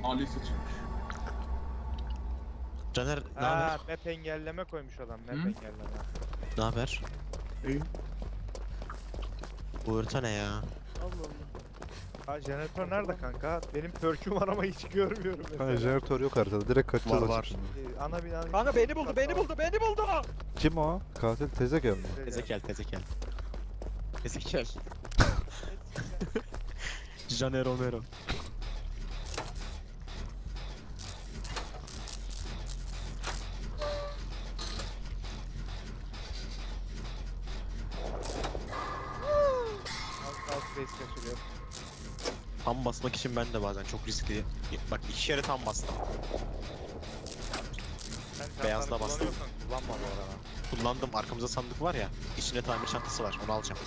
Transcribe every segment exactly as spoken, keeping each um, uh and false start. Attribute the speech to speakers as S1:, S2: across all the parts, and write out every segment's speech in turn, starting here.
S1: Ali seçilmiş.
S2: Caner ne
S3: Aa,
S2: haber?
S3: map engelleme koymuş adam. Map
S1: Hı?
S3: engelleme.
S2: Ne haber?
S1: İyi.
S2: Bu harita ne ya?
S3: Allah Allah. Ha jeneratör nerede kanka? Benim perk'üm var ama hiç görmüyorum mesela.
S4: Kanka jeneratör yok haritada. Direkt kaçacağız
S2: Var, var.
S4: açık şimdi.
S3: Ee, ana binanın...
S5: Kanka beni buldu, beni buldu, beni buldu.
S4: Kim o? Katil Tezekel mi?
S2: Tezekel, Tezekel. Tezekel. Caner Romero.
S3: Alt alt base kaçırıyor.
S2: Tam basmak için ben de bazen çok riskli. Bak iki kere tam bastım.
S3: Sen
S2: Beyazla
S3: çantanı
S2: bastım.
S3: kullanıyorsan kullanma bu arada.
S2: Kullandım. Arkamızda sandık var ya. İçinde tamir çantası var. Onu alacağım.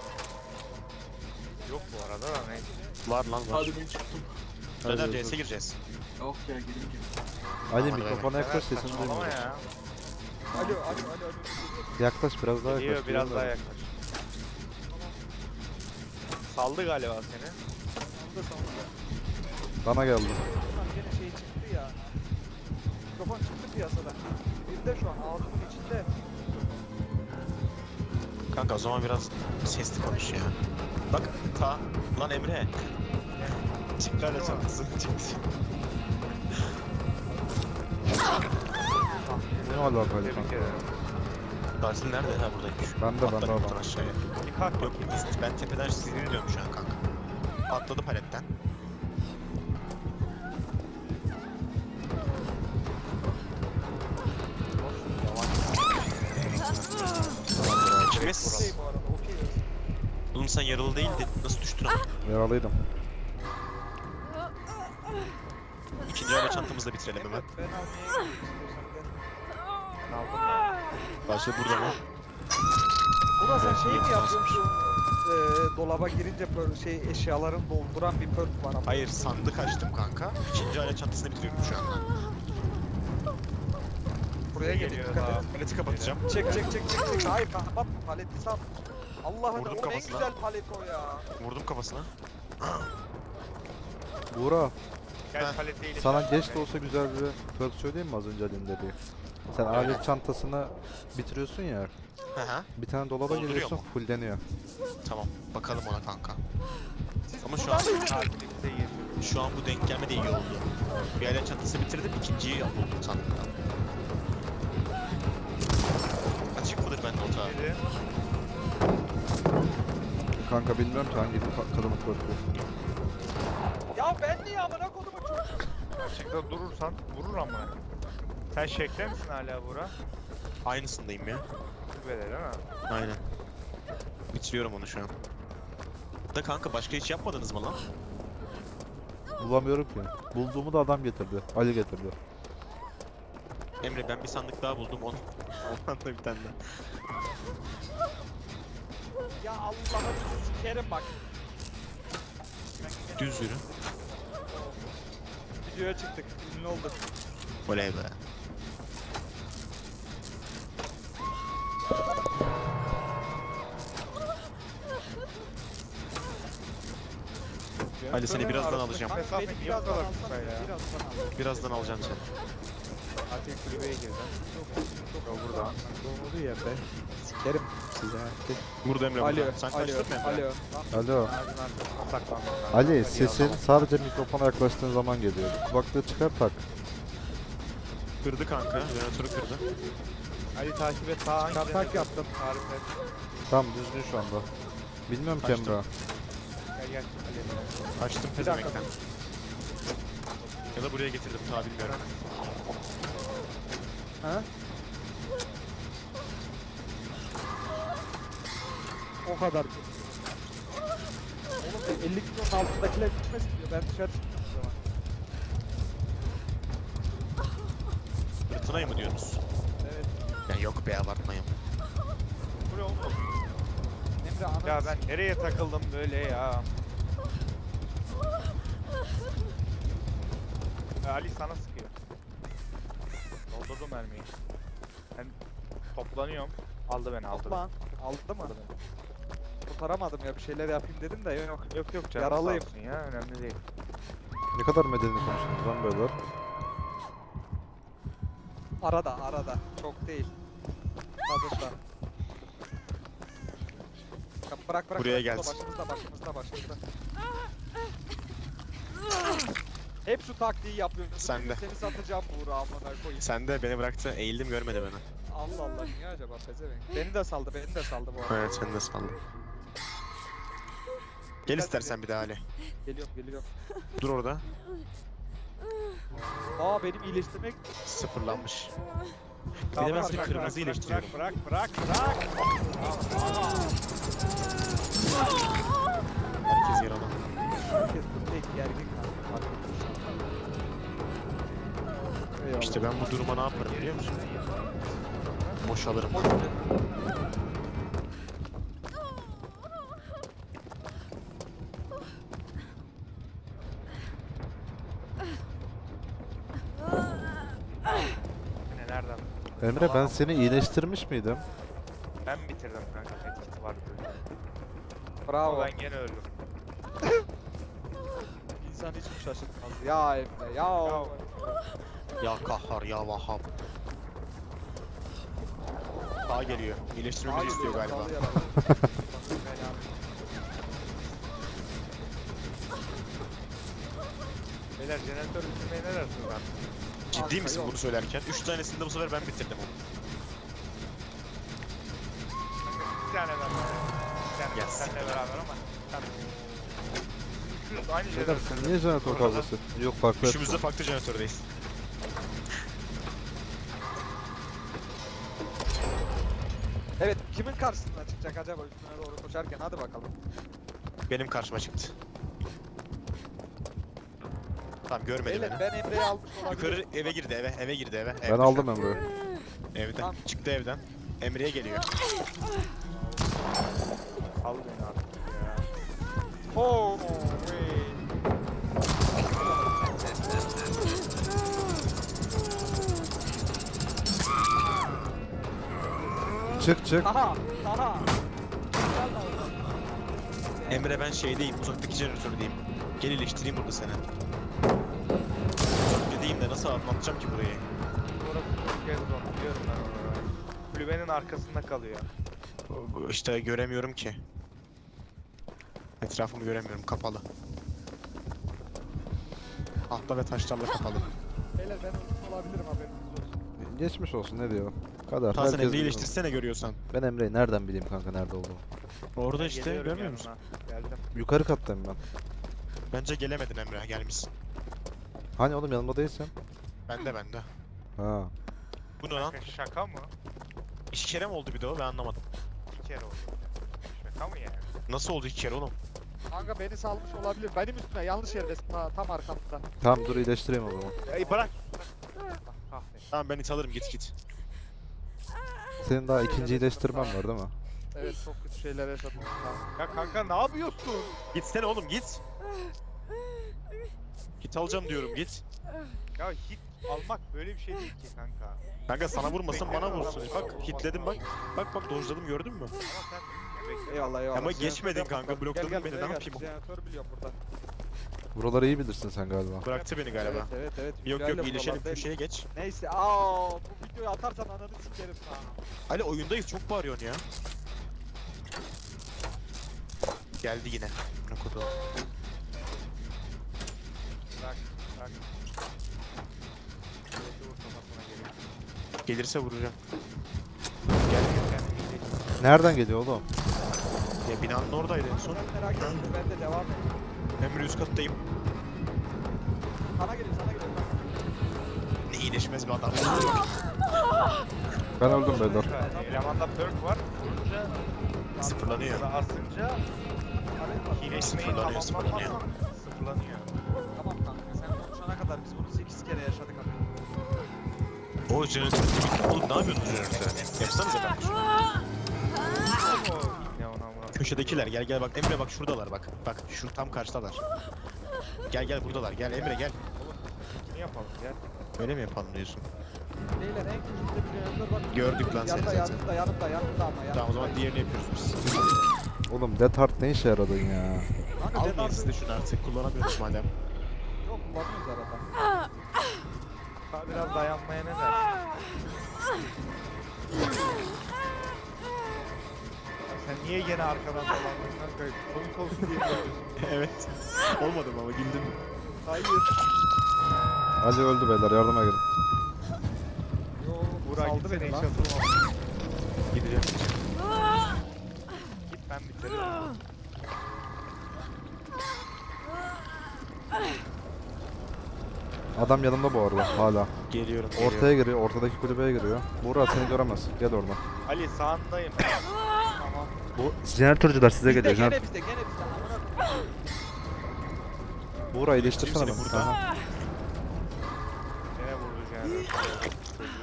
S3: Yok bu arada da neyse.
S2: Var lan var.
S1: Hadi ben çıktım.
S2: Caner
S4: Hadi,
S2: C S'e
S4: hadi.
S2: gireceğiz.
S1: Yok ya gelin gelin.
S4: Ali
S2: Aman
S4: mikrofona yaklaş
S3: Sever,
S4: sesini
S3: saçmalama
S4: duymuyorum.
S3: ya.
S5: Alo, alo, alo, alo.
S4: Yaklaş biraz daha
S3: Geliyor
S4: yaklaş.
S3: biraz daha
S4: duyamıyorum.
S3: yaklaş. Saldı galiba seni.
S5: Sonunda sonunda.
S4: Bana geldi.
S5: Ulan gene şey çıktı ya. Mikrofon çıktı piyasadan. Bir de şu an ağzımın içinde.
S2: Kanka o zaman biraz sesli konuş ya. Bak ta lan Emre. Çıktı hala çantası. Çıktı.
S4: Ne alakalı
S3: Tebrik
S4: kanka?
S3: ederim.
S2: Katil nerede? Ha buradaymış.
S4: Ben de ben de
S2: Atladım buradan
S4: adam.
S2: aşağıya.
S3: Bir kalk
S2: Yok
S3: bakayım.
S2: biz- ben tepeden sizi izliyorum şu an kanka. Atladı paletten. Ekimiz.
S5: Okey bu arada, okey.
S2: Oğlum sen yaralı değildin. Nasıl düştün ama?
S4: Yaralıydım.
S2: İkinci aile çantamızı da bitirelim hemen.
S5: Ben almaya gidiyorum istiyorsan gel.
S3: Aldım ya.
S2: Başka burada mı?
S5: Buna sen şey mi
S2: Evet,
S5: yapıyorsun? Ee, dolaba girince böyle şey eşyaların dolduran bir perk var ama.
S2: Hayır sandık açtım kanka. İkinci aile çantasını bitiriyorum şu anda.
S5: Buraya geliyor.
S3: Geliyor
S5: Dikkat
S3: daha.
S5: et.
S2: Paleti kapatacağım.
S5: Çek çek çek çek çek. Hayır kapatma paleti sat. Allah'ın
S2: Vurdum
S5: o en
S2: kafasına.
S5: güzel palet o ya.
S2: Vurdum kafasına.
S4: Buğra,
S3: Gel
S2: Heh.
S3: paletiyle.
S4: sana geç de olsa güzel bir perk söyleyeyim mi az önce Ali'nin dediği? Sen alet çantasını bitiriyorsun ya.
S2: Hı hı.
S4: Bir tane dolaba
S2: Dolduruyor
S4: giriyorsun,
S2: mu?
S4: fulleniyor.
S2: Tamam. Bakalım ona kanka.
S5: Siz
S2: Ama şu
S5: buradan
S2: an-
S5: mı yürüyorsunuz?
S3: Takipte gir.
S2: Şu an bu denk gelme de iyi oldu. Bir aile çantası bitirdim. İkinciyi buldum sandıktan. Açık mıdır bende o taraf?
S3: Biri.
S4: Kanka bilmiyorum ki hangi ka- kadının perkü.
S5: Ya ben niye amına kodumu çocuk?
S3: Açıkta durursan vurur ama. Sen şekle misin hala Buğra?
S2: Aynısındayım ya.
S3: Böyle değil mi?
S2: Aynen. Bitiriyorum onu şu an. Da kanka başka hiç yapmadınız mı lan?
S4: Bulamıyorum ki. Bulduğumu da adam getirdi. Ali getirdi.
S2: Emre ben bir sandık daha buldum. Onu ondan da bir tane daha.
S5: Ya Allah'ını sikerim bak.
S2: Düz yürü.
S5: Videoya çıktık. Ünlü olduk.
S2: Oley be. Ali, seni birazdan
S3: Arasındaki
S2: alacağım.
S3: mesafe
S5: Beni
S3: niye bu
S5: birazdan
S3: kadar
S5: alsana
S3: kısa
S5: ya.
S3: ya?
S5: Birazdan al.
S2: Birazdan alacağım seni.
S3: Fatih kulübeye girdi. Yok burada.
S5: Doğru ya be. Sikerim size.
S2: Burada Emre
S5: Alo,
S2: burada. Sen
S5: alo,
S2: kaçtın mı Emre?
S5: alo.
S4: Alo.
S3: Ağacın arkasına saklandım.
S4: Ali sesin sadece mikrofona yaklaştığın zaman geliyor. Kulaklığı çıkar tak.
S2: Kırdı kanka. Jeneratörü kırdı.
S3: Ali takip et sağ hangi
S5: Çarpak
S3: jeneratör?
S5: yaptım.
S3: Tarif et.
S4: Tamam düzgün şu anda. Bilmiyorum ki
S2: Kaçtım.
S4: Emre.
S3: Gel gel. Ali.
S2: Kaçtım
S5: Bir dakika.
S2: pezemekten. Ya da buraya getirdim ta bilmiyorum.
S5: Ha? O kadar. Oğlum elli kilonun altındakiler gitmesin diyor. Ben dışarı çıktım o zaman.
S2: Fırtınayı mı diyorsunuz?
S5: Evet.
S2: Ya yok be abartmayın.
S3: Bu ne oğlum?
S5: Emre ananı
S3: Ya ben nereye takıldım böyle ya? Ya Ali sana sıkıyor. Doldurdum mermiyi. Ben toplanıyorum. Aldı beni aldı.
S5: Lan aldı mı?
S3: Aldı beni.
S5: Kurtaramadım ya bir şeyler yapayım dedim de yok.
S3: Yok yok canım
S5: Yaralıyım.
S3: sağ olsun ya önemli değil.
S4: Ne kadar medeni konuştunuz lan beyler.
S5: Arada arada. Çok değil. Tadında. Ya bırak bırak.
S2: Buraya
S5: bırak.
S2: gelsin.
S5: Başımızda başımızda başımızda. Hep şu taktiği yapıyorsun.
S2: Sen de.
S5: Seni satacağım Buğra amına koyayım.
S2: Sen de beni bıraktı. Eğildim görmedi beni.
S5: Allah Allah niye acaba pezevenk? Beni de saldı beni de saldı bu arada.
S2: Evet sen de saldın. Gel istersen bir daha Ali.
S5: Geliyorum geliyorum.
S2: Dur orada.
S5: Aa benim iyileştirmek.
S2: Sıfırlanmış. Bir
S3: Tamam,
S2: de ben
S3: bırak,
S2: seni
S3: bırak,
S2: kırmızı
S3: bırak,
S2: iyileştiriyorum.
S3: Bırak bırak bırak.
S2: Herkes yaralı.
S5: Herkes bu tek gergin kanka. Fark etmiş. Eyvallah.
S2: İşte ben bu duruma ne yaparım biliyor musun? Boşalırım.
S5: Hoş geldin.
S3: Ne nereden?
S4: Emre ben seni iyileştirmiş miydim?
S3: Ben bitirdim kanka. Etkisi var böyle.
S5: Bravo.
S3: Ama ben gene öldüm.
S5: İnsan hiç mi şaşırtmaz? Ya Emre ya.
S3: Ya.
S2: Ya kahhar ya vahhab. Daha geliyor. İyileştirmemizi istiyor galiba.
S3: Beyler jeneratör bitirmeyi ne dersiniz lan?
S2: Ciddi misin
S5: yok.
S2: bunu söylerken? Üç tanesini de bu sefer ben bitirdim onu.
S3: Bir tane ben. Bir tane ben
S2: Yes.
S3: seninle beraber ama. Sen... Üçümüz aynı
S4: Beyler
S3: jeneratör.
S4: siz niye jeneratör
S3: Orada-
S4: kavgası? Yok farklı.
S2: Üçümüz de farklı jeneratördeyiz.
S5: Evet kimin karşısına çıkacak acaba üstüne doğru koşarken hadi bakalım.
S2: Benim karşıma çıktı. Tamam görmedi
S5: Beyler
S2: beni.
S5: ben Emre'yi almış olabilirim.
S2: Yukarı eve girdi eve, eve girdi eve.
S4: Ben
S2: Evde
S4: aldım
S2: şu an.
S4: Emre'yi.
S2: Evden.
S5: Tamam.
S2: Çıktı evden. Emre'ye geliyor.
S3: Al beni artık ya.
S5: Oh wait.
S4: Çık çık.
S5: Aha aha.
S2: Emre ben şeydeyim, uzaktaki jeneratördeyim. Gel iyileştireyim burada seni. Uzaktayım de nasıl anlatacağım ki burayı?
S3: Orası çok yer zor. Biliyorum ben onu. Kulübenin arkasında kalıyor.
S2: İşte göremiyorum ki. Etrafımı göremiyorum, kapalı. Tahta ve taşlarla kapalı.
S5: Beyler ben ölmüş olabilirim haberiniz olsun.
S4: Geçmiş olsun ne diyor? Kadar.
S2: Tahsin
S4: Herkes
S2: Emre'yi
S4: biliyor.
S2: iyileştirsene görüyorsan.
S4: Ben Emre'yi nereden bileyim kanka nerede olduğunu?
S2: Orada
S3: Ben
S2: işte,
S3: geliyorum
S2: görmüyor
S3: yanına.
S2: musun?
S3: Geldim.
S4: Yukarı kattayım ben.
S2: Bence gelemedin Emre, gelmişsin.
S4: Hani oğlum yanımda değilsin?
S2: Bende bende.
S4: Ha.
S2: Bu ne lan?
S3: Şaka, şaka mı?
S2: İki kere mi oldu bir de o? Ben anlamadım.
S3: İki kere oldu. Şaka mı yani?
S2: Nasıl oldu iki kere oğlum?
S5: Kanka beni salmış olabilir. Benim üstüme yanlış yerdesin ha, tam arkamda.
S4: Tamam dur iyileştireyim o zaman.
S3: Ey bırak. bırak. Kahretsin.
S2: Tamam ben it alırım, git git.
S4: Senin daha ikinci iyileştirmen var değil mi?
S5: Evet çok kötü şeyler yaşadım.
S3: Ya kanka ne yapıyorsun?
S2: Gitsene oğlum git. Git alacağım diyorum git.
S3: Ya hit almak böyle bir şey değil ki kanka.
S2: Kanka sana vurmasın bana vursun. Bak hitledim bak. Bak bak dojladım gördün mü?
S3: Ama sen bekle.
S5: Eyvallah eyvallah.
S2: Ama
S5: Jeneratör
S2: geçmedin
S5: yapma
S2: kanka,
S5: bakalım.
S2: blokladın
S5: Gel, gel,
S2: beni,
S5: buraya
S2: ne
S5: gel.
S2: yapayım?
S5: Jeneratör biliyorum burada.
S4: Buraları iyi bilirsin sen galiba.
S2: Bıraktı beni galiba.
S5: Evet evet evet.
S2: Yok
S5: Güzel
S2: yok iyileşelim,
S5: buralarda.
S2: köşeye geç.
S5: Neyse aa bu videoyu atarsan ananı sikerim ha.
S2: Ali oyundayız, çok bağırıyorsun ya. Geldi yine. Ne kodu?
S3: Bırak. Bırak. Şöyle vur kafasına geliyor.
S2: Gelirse vuracağım.
S3: Gel gel kendini iyileştir.
S4: Nereden geliyor oğlum?
S2: Ya binanın oradaydı en son.
S5: Sen merak etme ben de devam et.
S2: Emre üst kattayım.
S5: Sana geliyor sana geliyor.
S2: Ne iyileşmez bir adam.
S4: Ben öldüm beyler.
S3: Kanka, Elemanda perk var. Vurunca
S2: Sıfırlanıyor.
S3: ya da asınca iyileşmeyi
S2: Sıfırlanıyor, sıfırlanıyor.
S3: tamamlamazsan sıfırlanıyor.
S5: Tamam kanka sen konuşana kadar biz bunu sekiz kere yaşadık abi.
S2: O jeneratör. Oğlum ne yapıyorsunuz jeneratörde? Yapsanıza ben.
S3: O ne ona ona.
S2: Köşedekiler gel gel bak Emre bak şuradalar bak. Bak şu tam karşıdalar. Gel gel buradalar. Gel Emre gel.
S3: Ne yapalım gel.
S2: Öyle mi yapalım diyorsun?
S5: Beyler en köşede bir jeneratör var.
S2: Gördük lan seni
S5: yanında,
S2: zaten.
S5: Yanımda yanımda yanımda ama yanımda.
S2: Tamam o zaman diğerini yapıyoruz biz.
S4: Oğlum Death Heart ne işe yaradın ya?
S5: Kanka
S2: Almayın
S5: Death
S2: siz de şunu artık kullanamıyoruz madem.
S5: Yok kullanıyoruz arada.
S3: Daha biraz dayanmaya ne dersin? Ya sen niye gene arkadan dolandın kanka? Komik olsun diye yapıyorsun.
S2: Evet. Olmadı mı ama güldün mü?
S3: Hayır.
S4: Ali öldü beyler, yardıma gelin.
S5: Yo,
S3: Burak
S5: saldı
S3: gitsene
S5: beni
S3: hiç
S5: lan.
S3: atılmaz.
S2: Gideceğim.
S3: Git ben bitiririm.
S4: Adam yanımda bu arada hala.
S2: Geliyorum.
S4: Ortaya giriyor, ortadaki kulübeye giriyor. Buğra seni göremez. Gel oradan.
S3: Ali sağındayım. Tamam.
S4: Bu jeneratörcüler size
S5: Bizde
S4: geliyor.
S5: gene
S4: Jener...
S5: bizde gene bizde. Amına koyayım.
S4: Buğra iyileştirsene
S2: Seni
S4: beni.
S2: burada.
S4: Aha.
S3: Gene vurdu jeneratör. Çocuğu.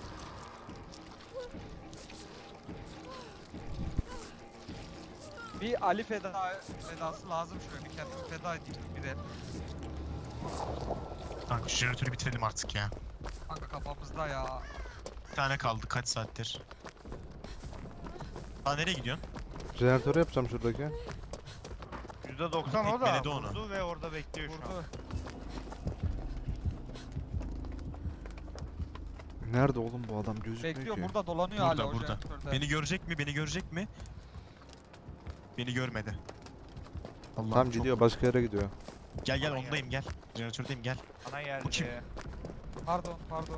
S5: Bir Ali feda fedası lazım şöyle. Bir kendimi feda edeyim bir de.
S2: Kanka şu jeneratörü bitirelim artık ya.
S5: Kanka kafamızda ya.
S2: Bir tane kaldı kaç saattir. Aa nereye gidiyorsun?
S4: Jeneratörü yapacağım şuradaki.
S3: yüzde doksan o da
S2: Tekmeledi onu.
S3: vurdu ve orada bekliyor şu an.
S5: Vurdu.
S4: Nerede oğlum bu adam, gözükmüyor
S5: Bekliyor
S4: ki.
S5: burada dolanıyor
S2: Burada,
S5: hala o
S2: burada.
S5: jeneratörde.
S2: Beni görecek mi? Beni görecek mi? Beni görmedi. Allah'ım
S4: Tam
S2: çok-
S4: gidiyor, başka yere gidiyor.
S2: Gel gel
S3: Aman
S2: ondayım gel. Jeneratördeyim gel.
S3: Ana yerde.
S2: Bu kim?
S5: Pardon pardon.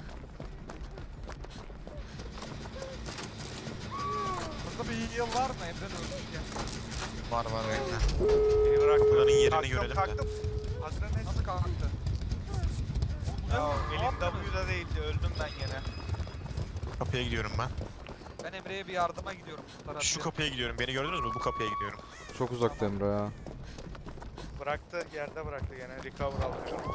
S5: Burada bir yıl var mı Emre de öldürken?
S2: Var var bekle.
S3: Beni bıraktı.
S2: Bunların yerini
S3: Kalktım,
S2: görelim de.
S3: kalktım. Adrenalin.
S5: Nasıl kalktı?
S3: Ya
S5: Ne
S3: elim
S5: yaptınız?
S3: W'da değildi. Öldüm ben gene.
S2: Kapıya gidiyorum ben.
S5: Ben Emre'ye bir yardıma gidiyorum bu tarafta.
S2: Şu kapıya gidiyorum. Beni gördünüz mü? Bu kapıya gidiyorum.
S4: Çok uzakta Emre ya.
S3: Bıraktı. Yerde bıraktı gene. Recover alıyorum.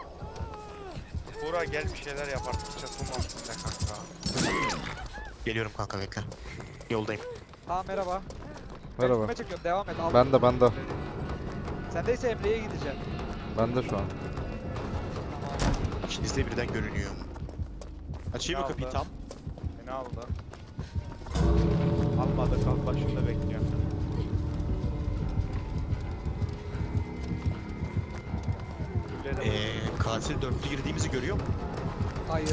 S3: Buğra gel bir şeyler yap artık. Çatılmasın be kanka.
S2: Geliyorum kanka bekle. Yoldayım.
S5: Aa merhaba. Ben
S4: Merhaba.
S5: üstüme çekiyorum devam et. Al.
S4: Ben de ben de.
S5: Sendeyse Emre'ye gideceğim.
S4: Ben de şu an.
S2: İkiniz de birden görünüyor. Açayım mı
S3: Ne
S2: kapıyı
S3: aldı?
S2: tam?
S3: Beni aldı. Almadı kal başında bekliyorum. Gülleri de
S2: Ee, katil dörtlü girdiğimizi görüyor mu?
S5: Hayır.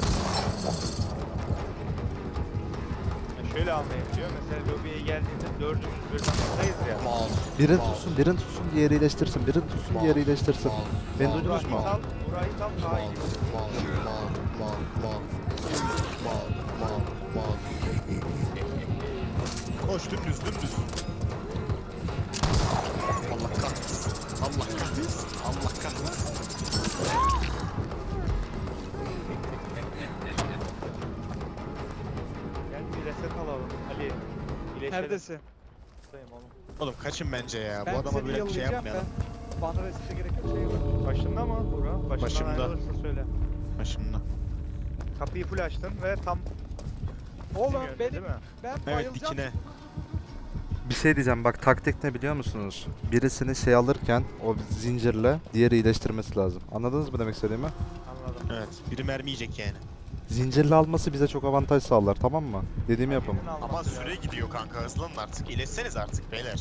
S3: Ya şöyle anlayabiliyor. Mesela lobiye geldiğinde dördümüz birden buradayız ya.
S4: Birini tutsun, birini tutsun, diğeri iyileştirsin. Birini tutsun, diğeri iyileştirsin. Beni duydunuz mu?
S3: Burayı sal, burayı sal daha iyi.
S2: Koş dümdüz dümdüz. Allah kahretsin. Allah kahretsin. Allah kahretsin.
S3: Gel bir reset alalım. Ali. İyileşelim.
S5: Neredesin?
S3: Buradayım oğlum.
S2: Oğlum kaçın bence ya.
S5: Ben
S2: Bu adama
S5: seni
S2: böyle bir şey
S5: yollayacağım
S2: yapmayalım.
S5: ben. Bana resite gerek yok şey var.
S3: Başında mı Buğra? Başından
S2: Başımda.
S3: ayrılırsa söyle.
S2: Başımda.
S3: Kapıyı full açtın ve tam
S5: Oğlum
S3: bizim yönde,
S5: benim
S3: değil mi?
S5: ben
S2: Evet
S5: bayılacağım.
S2: dikine.
S4: Bir şey diyeceğim, bak taktik ne biliyor musunuz? Birisini şey alırken o zincirle diğeri iyileştirmesi lazım. Anladınız mı demek istediğimi?
S3: Anladım.
S2: Evet. Biri mermi yiyecek yani.
S4: Zincirle alması bize çok avantaj sağlar, tamam mı? Dediğimi yapın.
S3: Birinin alması
S2: Ama
S3: lazım.
S2: süre gidiyor kanka. Hızlanın artık. İyileşseniz artık beyler.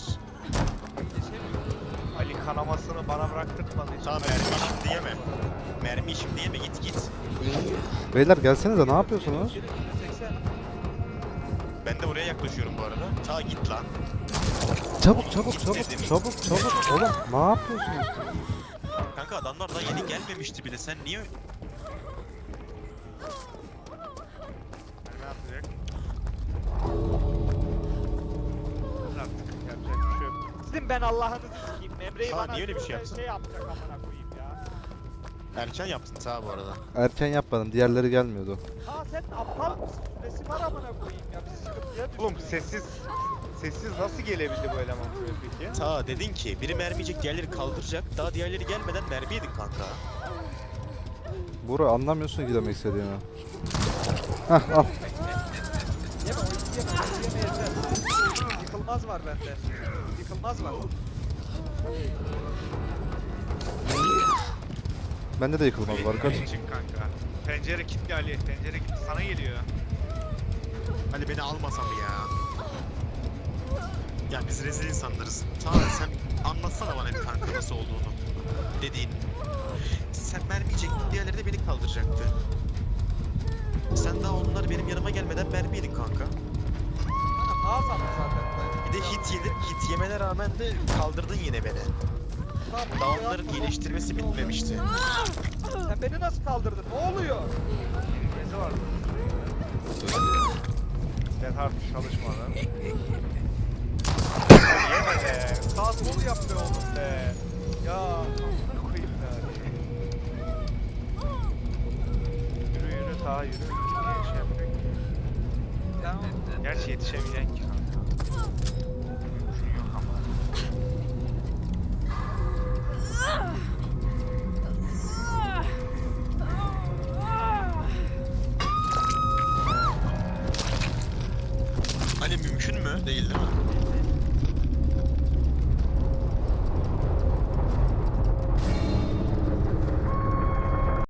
S3: Ali kanamasını bana bıraktırtmadı hiç.
S2: Tamam mermi şimdi yeme. Mermi şimdi yeme git git.
S4: Beyler gelsenize, ne yapıyorsunuz?
S5: seksen.
S2: Ben de oraya yaklaşıyorum bu arada. Ta git lan.
S4: Çabuk çabuk çabuk
S2: Dedim.
S4: çabuk çabuk. Oğlum ne yapıyorsunuz?
S2: Kanka adamlar daha yeni gelmemişti bile. Sen niye...
S3: Ne yapacak? Artık yapacak bir şey yok.
S5: Sizin ben Allah'ınızı sikeyim. Emre'yi
S2: Ha,
S5: bana
S2: niye öyle bir şey
S5: şöyle
S2: yapsın?
S5: şey yapacak amına koyayım ya.
S2: Erken yaptın ta bu arada.
S4: Erken yapmadım, diğerleri gelmiyordu.
S5: Aa sen aptal mısın? Süresi var amına koyayım ya. Bizi sıkıntıya düşürdün.
S3: Oğlum sessiz sessiz nasıl gelebildi bu eleman buraya peki?
S2: Ta dedin ki biri mermi yiyecek diğerleri kaldıracak. Daha diğerleri gelmeden mermi yedin kanka.
S4: Buğra anlamıyorsun ki demek istediğimi. Hah al.
S5: Yeme oyunu yeme. Oyunu yeme yeter. Yıkılmaz var bende. Yıkılmaz var.
S4: Bende de yıkılmaz var, kaç.
S3: Çık kanka. Pencere kilitli Ali. Pencere kilitli. Sana geliyor.
S2: Hani beni almasam ya. Ya biz rezil insanlarız. Ta sen anlatsana bana bir kanka nasıl olduğunu. Dediğin. sen mermi yiyecektin, diğerleri de beni kaldıracaktı. Sen daha onlar benim yanıma gelmeden mermi yedin kanka.
S5: Kanka daha sandım zaten ben.
S2: Bir de hit yedin, hit yemene rağmen de kaldırdın yine beni.
S5: Tamam,
S2: Daha
S5: bunu
S2: onların
S5: yapma,
S2: iyileştirmesi bitmemişti.
S5: Sen beni nasıl kaldırdın? Ne oluyor?
S3: Kelimesi var. Ben artık çalışmadım. Yeme be. Sağ sol yap be oğlum be. Ya amına koyayım ya. Yürü yürü ta yürü. Niye şey yapıyorsun ki?
S5: Ya
S3: Gerçi yetişemeyeceksin ki kanka.